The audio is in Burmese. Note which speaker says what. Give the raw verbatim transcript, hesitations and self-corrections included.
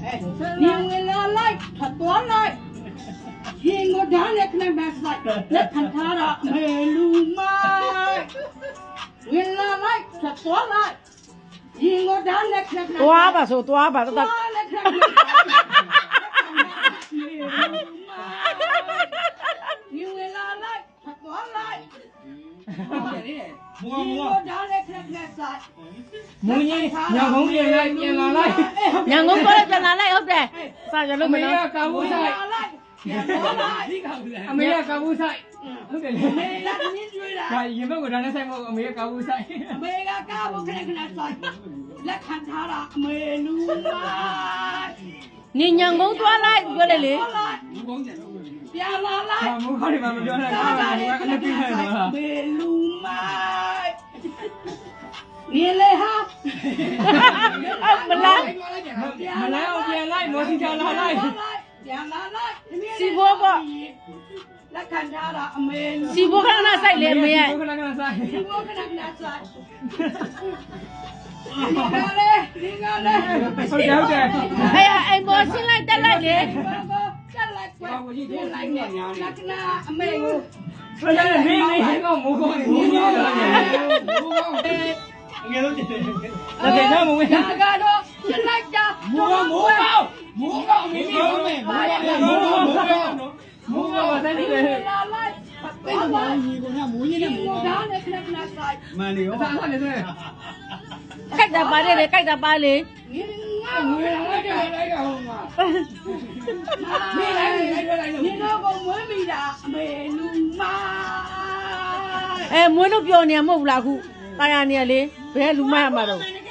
Speaker 1: 你为了来，他多来。因我家里可能没事，那看他的没路买。为了来，他多来。因我家里可能没事。
Speaker 2: 多吧，说多吧，都得。
Speaker 1: 因为了来，他多来。
Speaker 3: 摸
Speaker 1: 因
Speaker 3: 摸
Speaker 1: 我家里可能没事。
Speaker 3: 摸你娘公变来变来来，
Speaker 2: 娘公过来ပြန်လာလိုက်ဟုတ်တယ်စားကြ
Speaker 3: အ
Speaker 2: လို့မ
Speaker 3: မေ
Speaker 2: နော်
Speaker 3: ကကာဘူးဆိုင်အမေကကာဘူးဆိုင်ဟုတ်တယ်လေ
Speaker 1: 没啦，你追啦。
Speaker 3: ဒါရင်ဘက်ကဒါနဲ့ဆိုင်မဟုတ်အမေကကာဘူးဆိုင်
Speaker 1: 没个干部可能可能在，来看他了，没路嘛。
Speaker 2: နေညံကုန်းသွားလိုက်ပြောလေလေ
Speaker 1: 别拉来，
Speaker 3: ဟာမူခေါ်တယ်မပြောနဲ့ကားကလည်းအပြည့်နဲ့တော့
Speaker 1: 没路嘛。你来哈，
Speaker 2: မလား
Speaker 3: မလဲအောင်ပြန်လိုက်မော်စီချလာလိုက်
Speaker 1: 别拉来，
Speaker 2: စီဘောပေါ့
Speaker 1: 来看他了，没路。
Speaker 2: စီဘောခဏခဏစိုက်လေအမေရဲ့
Speaker 3: ခဏခဏဆိုင်
Speaker 1: 我跟他跟他说，你看嘞，你看嘞，
Speaker 3: ဟုတ်တယ်ဟုတ်တယ်
Speaker 2: အဲ့အိမ်ပေါ်ဆင်းလိုက်တက်လိုက်လေ
Speaker 1: 再来乖，再来呢，那个那没有。
Speaker 3: ဘယ်လဲနေနေကောမိုးကောင်းနေမိုးကောင်းတယ်မိုးကောင်းတယ်ငယ်တော့တယ်ဒါပေမဲ့မဝင်
Speaker 1: 大家都进来家，
Speaker 3: မိုးကောင်းမိုးကောင်းမိုးကောင်းမင်းမိုးမယ်မိုးကောင်းမိုးကောင်းမိုးကောင်းမိုးကောင်းပါတဲ့နေတယ်
Speaker 1: 来来，别来，
Speaker 3: ညီကမိုးကြီးနဲ့မိုး
Speaker 1: 我
Speaker 3: ကောင်း
Speaker 1: 家里看看来，
Speaker 3: မှန်နေရောစားနေတယ်
Speaker 2: ကြိုက်တာပါတယ်လေကြိုက်တာပါလေ
Speaker 1: 你俺
Speaker 3: ငွေလိုက်ကြလိုက်ကြဟိုမှာ你来你来来来
Speaker 1: 你那个没米的没路嘛，
Speaker 2: အဲမွေးလို့ပြောနေမှာမဟုတ်ဘူးလားခုတာယာနေရလေဘယ်လူမရမှာတော့
Speaker 1: 你